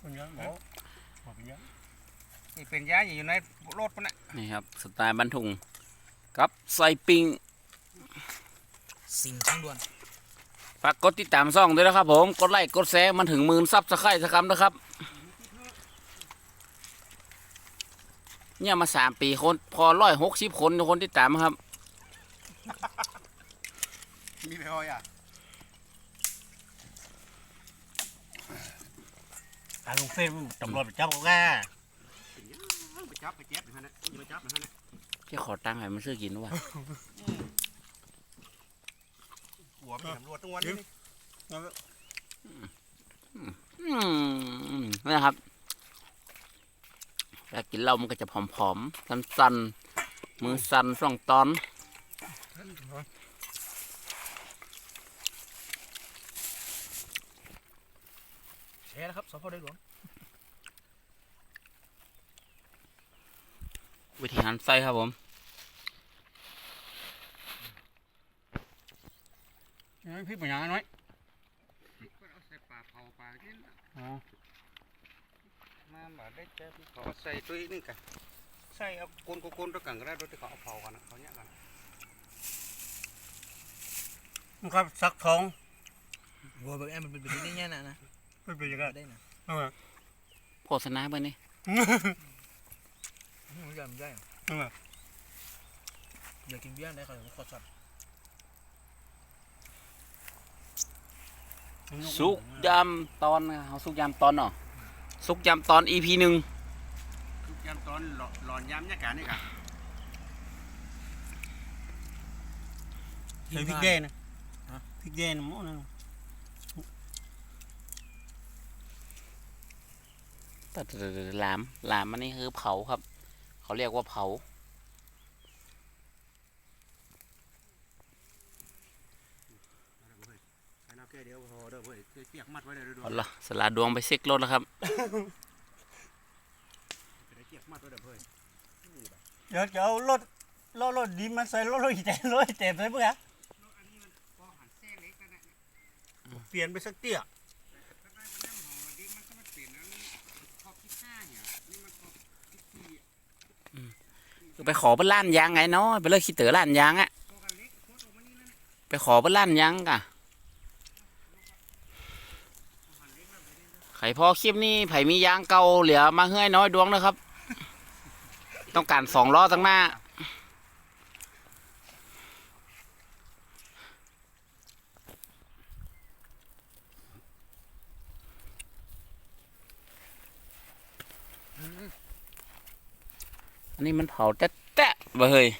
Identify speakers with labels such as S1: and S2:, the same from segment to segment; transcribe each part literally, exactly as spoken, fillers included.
S1: เป็นยังหมอหมอเป็นยัง
S2: นี่เป็นยาอยู่ในรถปะเนี่ย
S3: นี่ครับสไตล์บ้านทุ่งกับใส่ปิง
S4: สิ่งทั้งด่วน
S3: ฝากกดติดตามซ่องด้วยนะครับผมกดไลค์กดแชร์มันถึงหมื่นซับสไครต์สักคำนะครับเนี่ยมาสามปีคนพอร้อยหกสิบคนคนติดตามครับ
S2: มีไปพอยอ่ะ
S1: ทางลุงเฟ้นตำรวจไปจับเขาแก่
S2: ไปจับไปเจ็บนะฮะไปจับนะฮะ
S3: ที่ขอตังค์ให้มันซื้อกินวะ
S2: หัวไปตำรวจตรงวันนี้
S3: อืมนะครับถ้ากินเหล้ามันก็จะผอมๆสั้นๆมือสั่นส่องตอน
S4: แชร์นะครับสพได้หลวง
S3: วิธีหันไส้ครับผม
S1: พี่เป็นยังน้อย
S2: เอาใส่ปลาเผาปลาที่
S1: อ๋อ
S2: มาแบบได้เจ็บขอใส่ตัวนี้กันใส่เอาโกนโกนตัวกันก็ได้โดยที่เขาเอาเผากันนะเขาเนี้ยกัน
S1: มันก็ซักท้อง
S4: วัวแบบแอมมันเป็นแบบนี้เนี่ยนะนะ
S1: ไม่เป็นยังไง
S4: ได้นะ
S1: เออ
S3: โฆษณาไปนี่
S4: มันยำได้
S1: เออ
S4: เดี๋ยวกินเบี้ยได้ครับขอสับ
S3: สุกยำตอนเขาสุกยำตอนเนาะสุกยำตอน อี พี หนึ่ง
S2: ทุกยามตอนหลอนยามเนี่ยกันนี่กัน
S1: ใส่พริกแดงนะพริกแดงหม้อนั่น
S3: แต่หลามหลามมันนี่คือเผาครับ เขาเรียกว่าเผา
S2: ไอ้น้าแก่เดียวพอเด้อเว้ยเปียกมัดไว้เลยด้วย
S3: เอาละสลัดดวงไปเซ็กรถแล้วครับ
S2: เปียกมัดไว้เด้อเว้ย
S1: เดี๋ยวจะเอารถรถรถดีมาใส่รถรถอีแตนรถอีแตนใส่เพื่อเปลี่ยนไปสักเตี้ย
S3: ไปขอเปิ้นล้านยางไงเนาะไปเลยขี้เต๋อล้านยางอะไปขอเปิ้นล้านยางกะไข่พอคลิปนี้ไผ่มียางเก่าเหลือมาเฮ้ยน้อยดวงนะครับ ต้องการสองล้อตั้งหน้าอันนี้มันเผาแต๊ะแต๊ะบ่เฮ้ย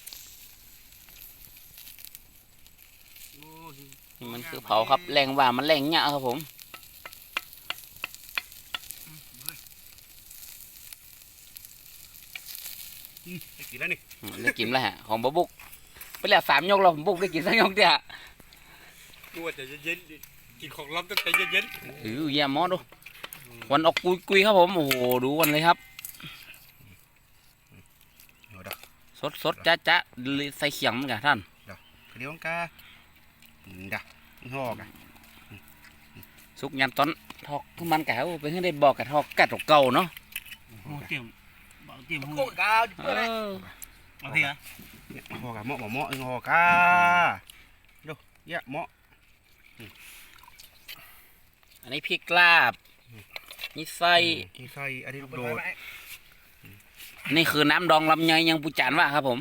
S3: นี่มันคือเผาครับแรงว่ามันแรงเนี่ยครับผม
S2: ได้กินแล้วนี่
S3: อืมได้กินแล้วฮะของบะบุกไปแล้วสามยกเราผมบุกได้กินสักยกเดียว
S2: ดูว่าจะเย็นกินของล้ำตั้งแต่เย็น
S3: เออเยี่ยมมอดูวันออกกุยกุยครับผมโอ้โหดูวันเลยครับสดสดจ้าจ้าใส่เขียงมันกันท่าน
S2: เดี๋ยวกาด่าห่อกะ
S3: สุกยำต้นทอกคือมันแก้วไปให้ได้บอกกับทอกกัดเก่าเนาะ
S1: โอ้เตรียมเตรียม
S4: โคตรกาว
S3: เออ
S1: เอาพี่ฮะ
S2: ห่อกะเหมาะเหมาะห่อกาดูเยอะเหมาะ
S3: อันนี้พริกลาบนี่ไส้
S2: อีไส้อันนี้ลูกโดด
S3: อันนี้คือน้ำดองลำไยยังปูจานว่าครับผม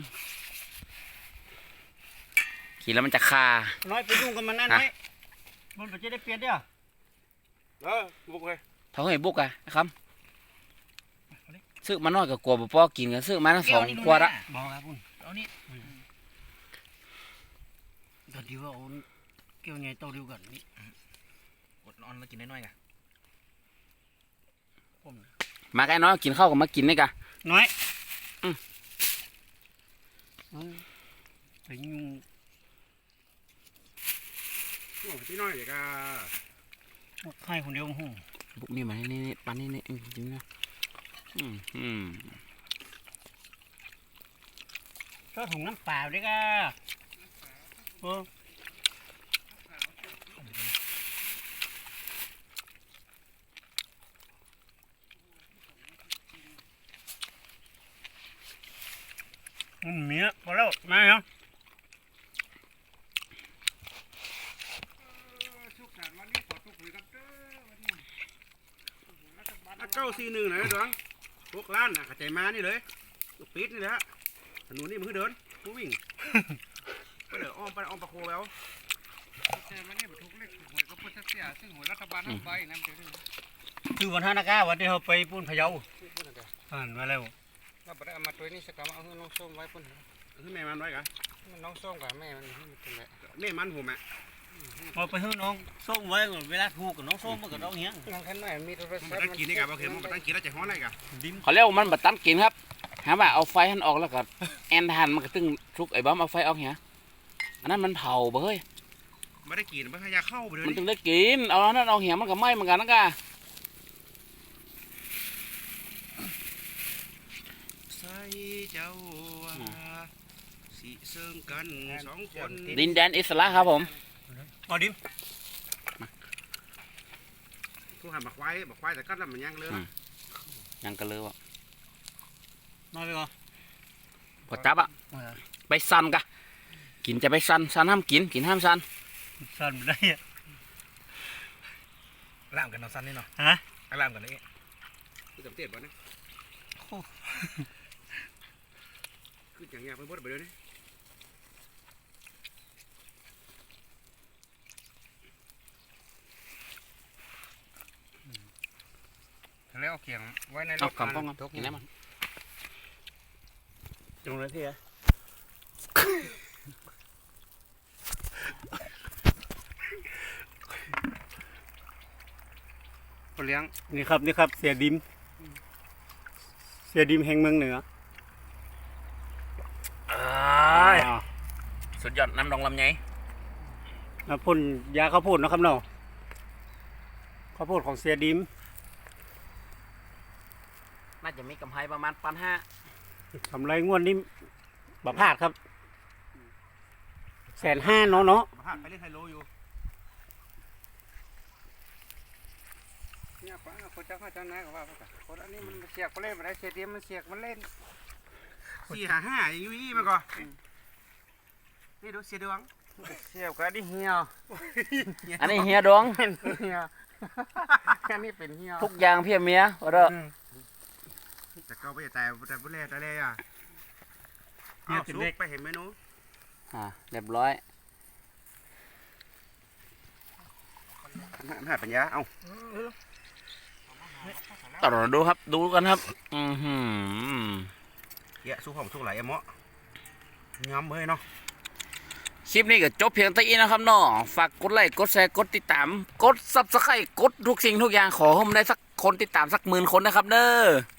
S3: กินแล้วมันจะคา
S1: น้อยไปยุ่งกับมันนั่นไหมมันจะได้เปลี่ยนเด้อ
S2: เออบุกเลย
S3: เท่าไหร่บุกอะครับซื้อมาน้อยกับกลัวบ่พอกินกันซื้อมาทั้งสองขวดละ
S1: บอกครับคุณ
S4: เอานี่
S1: เดี๋ยวดีว่าเอาเกี่ยวไงโตเดียวกันนี่
S4: อดนอนแล้วกินน้อยๆกัน
S3: มาไก่น้อยกินข้าวกับมากินนี่กะ
S1: น้อย
S3: อืม
S1: ไปยุ่ง
S2: โอ้พี่น้อยเด็กอ่ะ
S1: ใครคนเดียวหู
S3: บุกนี่มานี่นี่ปันนี่นี่จริงนะอืมอืม
S1: ก็ถุงน้ำเปล่าด้วยก็โอ้
S2: พ
S1: เนี่ยพอแล้วมาเนาะ
S2: ชุกสารวันนี้ขอทุกคุยกันเด้อวันนี้เก้าสี่หนึ่งไหนดวงพวกล้านน่ะกระจายมานี่เลยลูกปิดนี่แหละถนนนี่มือเดินมือวิ่งไปเดี๋ยวอ้อมไปอ้อมประโคแล้วแต่วันนี้บรรทุกเล็กหวยก็พุทธเสียซึ่งหวยรัฐบาลทั้งใบนั่นเดี๋ยวนี้
S1: คือวันท่านากาวันที่เขาไปปุ้นพะเยาอ่านมาแล้ว
S2: เราไปเอามาตัวนี้สักกรรมเอาให้น้องส้มไว้ปุ่นให้แม่มันไว้กันน้องส้มกับแม่มันให้มันเป็นไงแม่มันผมอ่ะ
S1: มาไปให้น้องส้มไว้ก่อนเวลาถูกกับน้องส้มมันก็ต้องเหี้ย
S2: น้องแค่น้อยมีโทรศัพท์มันตั้งกินนี่กับโอเคมันตั้งกินแล้วจะฮ้อนอะไรกัน
S1: ดิม
S3: เขาเรียกว่ามันบัดตันกินครับหาว่าเอาไฟหันออกแล้วก็แอนทันมันก็ตึงทุกไอ้บ้าเอาไฟออกเหี้ยอันนั้นมันเผาบ่เฮ้ย
S2: ไม่ได้กินไม่ให้ยาเข้าไปเลย
S3: มันตึงได้กินเอาอันนั้นเอาเหี้ยมันก็ไหม้เหมือนกันนะกะ
S2: ใส่เจ้าสีเซิงกันสองคน
S3: ดินแดนอิสระครับผม
S1: เอาดิม
S2: ผู้หันบักไว้บักไว้แต่ก็แล้วมันยังเลย
S3: ยังกันเลยว่ะ
S1: มาไปก่อน
S3: พอจับอะไปซันกะกินจะไปซันซันห้ามกินกินห้ามซัน
S1: สั่นไม่ได้อะ
S4: ล่ามกันน้องสั้นนี่เนาะ
S1: ฮะ
S4: ล่ามกันนี่
S2: คือจำเตียดบ่นะคืออย่างเงี้ยไปบดไปเลยนี่แล้วเอาเขียงไว้ในร
S3: เอา
S2: ถ
S3: คำป้องกันกินแล้วมัน
S1: ตรงนั้นที่อะ
S2: เลี้ยง
S1: นี่ครับนี่ครับเสียดิมเสียดิมแห่งเมืองเหนือ
S3: สุดยอดน้ำดองลำไย
S1: นะพ่นยาข้าวโพดนะครับเนาะข้าวโพดของเสียดิม
S3: น่าจะมีกำไรประมาณพันห้าก
S1: ำไรงวดนี้บะพลาดครับแสนห้าเนาะเนาะ
S2: มาหาไปเล่นไฮโลอยู่เนี่ยป้าคนเจ้าข้าเจ้านายก็ว่าไปกันคนอันนี้มันเสียกไปเล่นมาได้เสียเดียมมันเสียกมันเล่นสี่หาห้าอยู่ยี่มาก่อนนี่ดูเสียดวงเสียกก็ได้เหี่ยว
S3: อันนี้เฮียดวง
S2: เหี่ยวแค่นี้เป็นเหี่ยว
S3: ทุกอย่างเพียเมียว่าเด้อ
S2: แต่ก็ไม่แต่แต่บุเล่แต่เล่อะเนี่ยสุกไปเห็นเมนู
S3: อ่าเรียบร้อย
S2: หาปัญญาเอา
S3: ต่อเราดูครับดูกันครับอือหือ
S2: เยอะสู้ของสู้ไหลอะเมาะย้ำเฮ้ยเนาะ
S3: คลิปนี้ก็จบเพียงเท่านี้นะครับเนาะฝากกดไลค์กดแชร์กดติดตามกดซับสไครต์กดทุกสิ่งทุกอย่างขอให้ผมได้สักคนติดตามสักหมื่นคนนะครับเด้อ